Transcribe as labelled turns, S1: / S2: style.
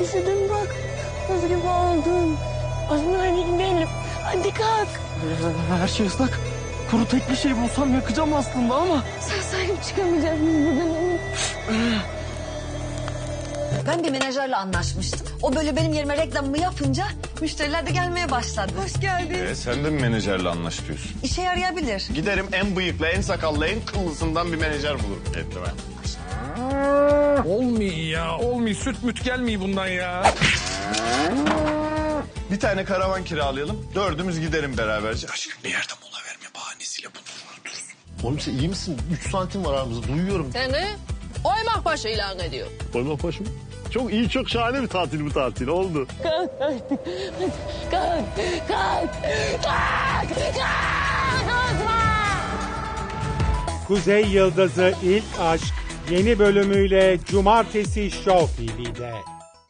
S1: Üşüdüm bak. Buz gibi oldum. Azmi hadi gidelim. Hadi kalk.
S2: Her şey ıslak. Kuru tek bir şey bulsam yakacağım aslında ama.
S1: Sen sahip çıkamayacağız biz buradan emin.
S3: Ben bir menajerle anlaşmıştım. O böyle benim yerime reklamımı yapınca müşteriler de gelmeye başladı. Hoş geldin.
S4: Sen de mi menajerle anlaşıyorsun?
S3: İşe yarayabilir.
S4: Giderim en bıyıklı, en sakallı, en kıllısından bir menajer bulurum kendime.
S5: Olmuyor ya. Olmuyor. Süt müt gelmiyor bundan ya.
S4: Bir tane karavan kiralayalım. Dördümüz giderim beraberce. Aşkım bir yerde mola verme bahanesiyle buluruz.
S6: Oğlum sen iyi misin? 3 santim var aramızda duyuyorum.
S7: Seni Oymakbaşı ilan ediyor.
S6: Koymak başım. Çok iyi, çok şahane bir tatil bu tatil. Oldu.
S1: Kalk artık. Hadi kalk. Kalk. Kalk. Kalk.
S8: Kuzey Yıldızı İlk Aşk yeni bölümüyle Cumartesi Show TV'de.